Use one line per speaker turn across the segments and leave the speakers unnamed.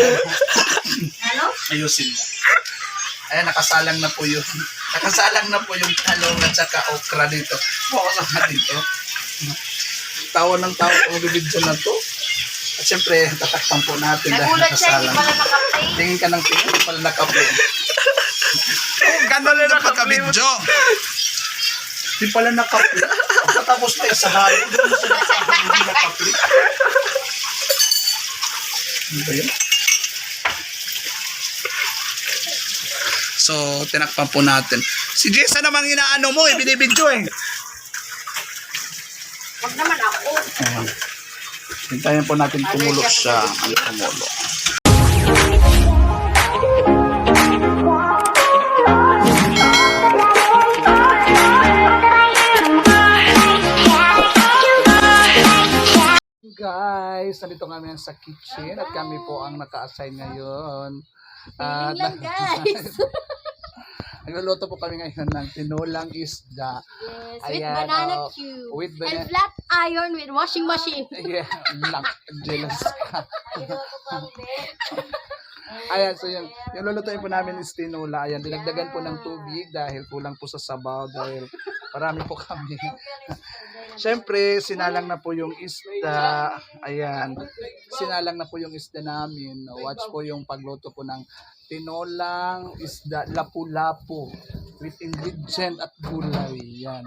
Ano?
Ayusin mo. Ayan, nakasalang na po yun. Nakasalang na po yung talong at saka okra dito. Focus na dito. Tawa ng tawa kung bibidyo na to. At syempre, tatakpan po natin dahil
Nagulat siya, hindi
nakasalang.
pala nakaplay.
Tingin ka ng tingin, hindi pala nakaplay. Gano'n na pagka-video. Hindi pala nakaplay. Katapos na yung sa halo. Hindi nakaplay. Ano ba yun? So, tinakpan po natin. Si Jessa namang inaano mo eh, binibidyo eh.
Wag naman ako.
Ayan. Hintayin po natin kumulo siya. Ano kumulo? Guys, nandito kami sa kitchen at kami po ang naka-assign ngayon.
Feeling lang guys.
Nagluluto po kami ngayon ng tinulang isda.
Yes, with
Ayan,
banana
oh,
cube.
with
And
banana-
flat iron with washing machine.
Yeah, lang. Jealous ka. Ayan, so yung lulutuin po namin is tinula. Ayan, dinagdagan po ng tubig dahil kulang po sa sabaw dahil marami po kami. Siyempre, sinalang na po yung isda. Ayan, sinalang na po yung isda namin. Watch po yung pagluto po ng tinolang isda, lapu-lapu with ingredient at gulay. Yan.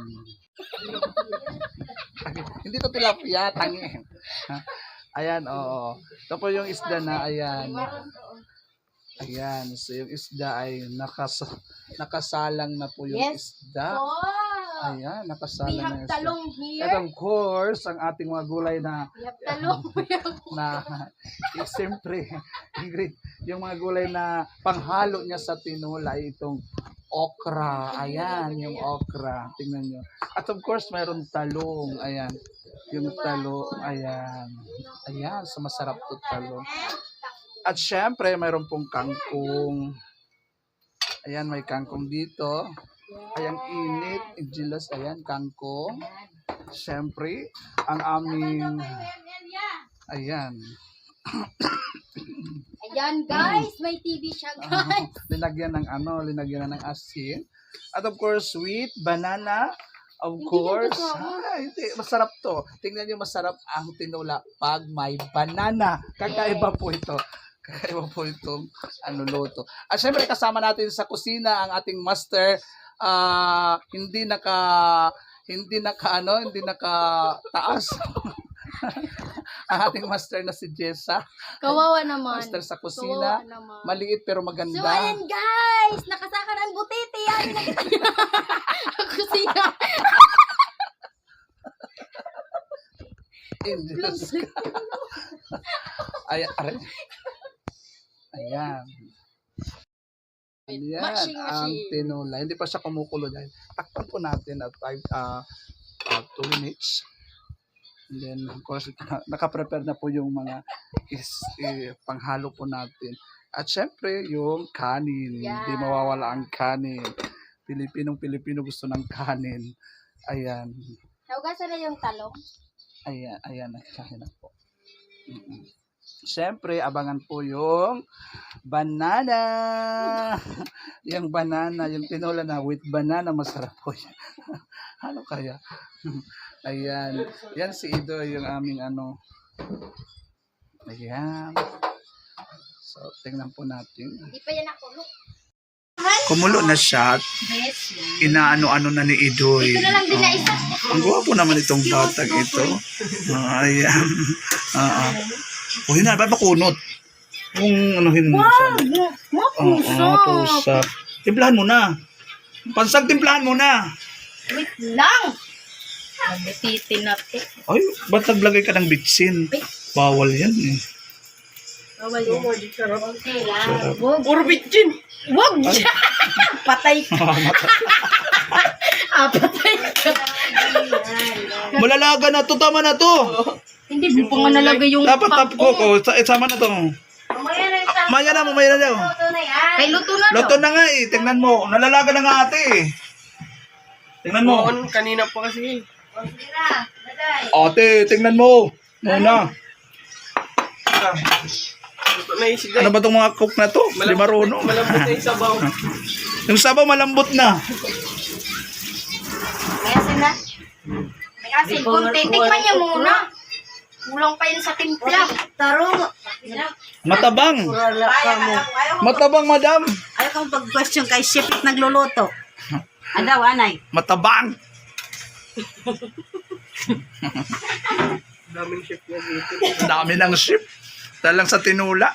Hindi to tilapia, tangi. Ayan, oo. Ito po yung isda na, ayan. Ayan, so yung isda ay nakasalang na po yung
Yes.
isda.
Oh,
Ayan,
we
nakasalang na
have
yung isda.
talong here.
At of course, ang ating mga gulay na
We have talong.
siyempre, yung mga gulay na panghalo niya sa tinola ay itong okra. Ayan, yung okra. Tingnan nyo. At of course, mayroon talong. Ayan. Yung talo. Ayan. Ayan, so masarap to talong. At syempre, mayroon pong kangkong. Ayan, may kangkong dito. Ayan, init. Jealous. Ayan, kangkong. Syempre, ang aming... Ayan.
Ayan guys, may TV siya guys.
Linagyan ng linagyan na ng asin. At of course, sweet banana. Of
Hindi
course.
yan kasama.
Hindi, masarap to. Tingnan niyo, masarap ang tinula pag may banana. Kakaiba po ito. Kakaiba po itong luto. At syempre, kasama natin sa kusina ang ating master. Hindi taas. Ang ating master na si Jessa.
Kawawa naman.
Master sa kusina.
Kawawa naman.
Maliit pero maganda.
So ayan guys, nakasakan ang butiti. Yan, nakita niyo. Ang kusina.
Jealous ka. Ayan, aray. Ayan. Ayan,
Machine.
ang tinula. Hindi pa siya kumukulo dahil takpan po natin at 2 minutes. And then, of course, nakaprepare na po yung mga panghalo po natin. At syempre, yung kanin.
Yeah.
Hindi mawawala ang kanin. Pilipinong-Pilipino gusto ng kanin. Ayan.
Naugasan na yung talong.
Ayan, ayan, nakain na po. Siyempre, abangan po yung banana. Yung banana, yung tinola na with banana, masarap po yan. Ano kaya? Ayan. Yan si Ido, yung aming Ayan. So, tingnan po natin.
Hindi pa yan ako. Look.
Kumulo na siya at
Yes.
inaano-ano na ni Idoy.
Ito na lang din na isa.
Ang gwapo naman itong batang ito. Ayan. Uy na, ba't makunot? Kung anuhin mo siya. Pusap. Timplahan mo na. Pansag, timplahan mo na.
Wait lang. Nabutiti na ito.
Ay, ba't naglagay ka ng bitsin? Bawal yan eh.
Bawal yan. Okay lang.
Sarap.
Puro bitchin. Wag! Patay ka. Patay ka.
Malalaga na to, tama na to.
Hindi, di pa nga nalagay yung
Dapat tap ko. Sama na to. Maya na mo, maya na daw.
Kay luto na
Luto na nga eh. Tingnan mo. Nalalaga na nga ate eh. Tingnan mo.
Kanina pa kasi.
Ate, tingnan mo. Muna.
May isda.
Ano ba itong mga cook na to? Di marunong.
Malambot na yung sabaw.
Yung sabaw malambot na.
May asin na? May asin. Kunti. Tikman niya muna. Kulang pa yun sa timpla. Tarong.
Matabang.
Wala ka mo.
Matabang, madam.
Ayaw kang pag-question kay chef nagluluto. Andaw, anay.
Matabang.
Daming chef niya dito.
Dami ng ship. Talang sa tinula.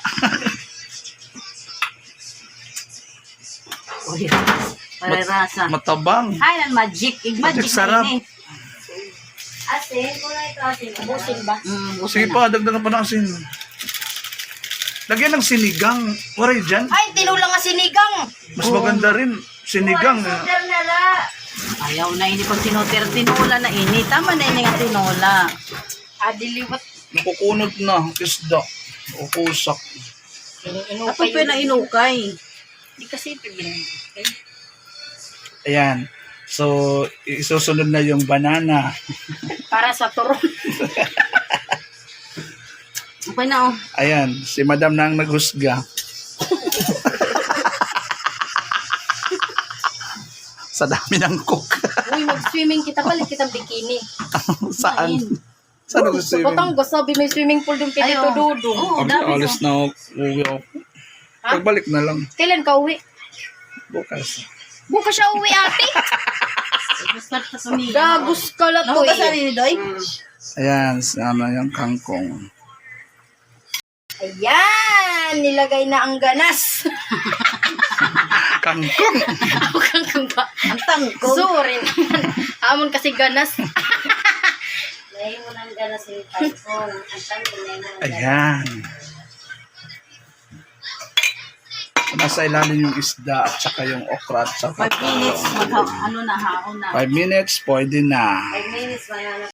Parerasa.
Matabang.
Ay, ang magic. Magic
Sarap.
na yun
Asin. Kulang ito asin. Ubusin ba?
Sige pa, dagdagan pa ng asin. Lagyan ng sinigang. Waray dyan.
Ay, tinula nga sinigang.
Mas maganda rin. Sinigang.
Sugar na la.
Ayaw na ini pag tinula na ini. Tama na ini nga tinola.
Adiliwat.
Nakukunod na. Isda. O kusak.
Ako pa na inukay.
Hindi kasi ito ginagawa.
Ayan. So, isusunod na yung banana.
Para sa turon.
Okay na oh.
Ayan. Si madam na ang naghusga. Sa dami ng cook.
Uy, mag-swimming kita. Palit kitang bikini.
Saan? Saan ako
Sa
swimming?
Batangas, sabi may swimming pool doon kay Tito
Ayaw.
Dudong.
Oo,
Pag
dami
alis na ako, uwi ako.
Ha?
Pagbalik na lang.
Kailan ka uwi?
Bukas.
Bukas siya uwi, ate.
Start sa sumigaw.
Gagos ka lang to
Nahugas na
eh.
rin, Doy?
Ayan, sana yung kangkong.
Ayan, nilagay na ang ganas.
Kangkong!
Kang ba?
Ang tangkong.
Sorry naman. Amon kasi ganas.
Lagay mo ng ganas yung tangkong. Ang tangkong na yun.
Ayan. Nasa ilalim yung isda at saka yung okra at saka
5 minutes, ano na, haon na.
5 minutes, pwede na.
5 minutes, mayroon na.